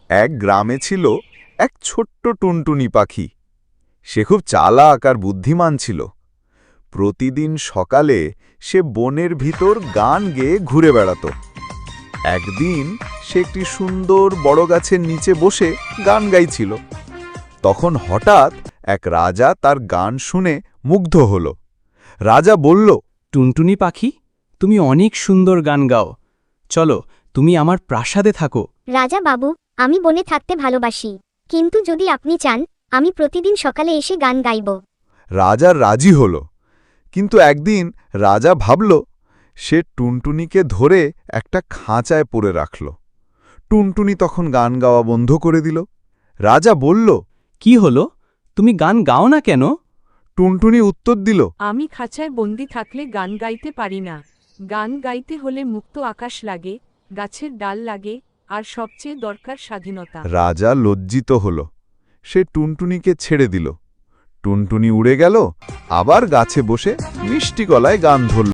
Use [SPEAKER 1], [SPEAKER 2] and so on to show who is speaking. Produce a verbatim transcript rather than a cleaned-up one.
[SPEAKER 1] এক গ্রামে ছিল এক ছোট্ট টুনটুনি পাখি। সে খুব চালাক আর বুদ্ধিমান ছিল। প্রতিদিন সকালে সে বনের ভিতর গান গেয়ে ঘুরে বেড়াত। একদিন সে একটি সুন্দর বড় গাছের নিচে বসে গান গাইছিল। তখন হঠাৎ এক রাজা তার গান শুনে মুগ্ধ হল। রাজা বলল,
[SPEAKER 2] টুনটুনি পাখি, তুমি অনেক সুন্দর গান গাও। চলো, তুমি আমার প্রাসাদে থাকো।
[SPEAKER 3] রাজা বাবু, আমি বনে থাকতে ভালোবাসি, কিন্তু যদি আপনি চান আমি প্রতিদিন সকালে এসে গান গাইব।
[SPEAKER 1] রাজা রাজি হল। কিন্তু একদিন রাজা ভাবল, সে টুনটুনিকে ধরে একটা খাঁচায় পরে রাখল। টুনটুনি তখন গান গাওয়া বন্ধ করে দিল। রাজা বলল,
[SPEAKER 2] কি হলো, তুমি গান গাও না কেন?
[SPEAKER 1] টুনটুনি উত্তর দিল,
[SPEAKER 4] আমি খাঁচায় বন্দি থাকলে গান গাইতে পারি না। গান গাইতে হলে মুক্ত আকাশ লাগে, গাছের ডাল লাগে, আর সবচেয়ে দরকার স্বাধীনতা।
[SPEAKER 1] রাজা লজ্জিত হল। সে টুনটুনিকে ছেড়ে দিল। টুনটুনি উড়ে গেল, আবার গাছে বসে মিষ্টি গলায় গান ধরল।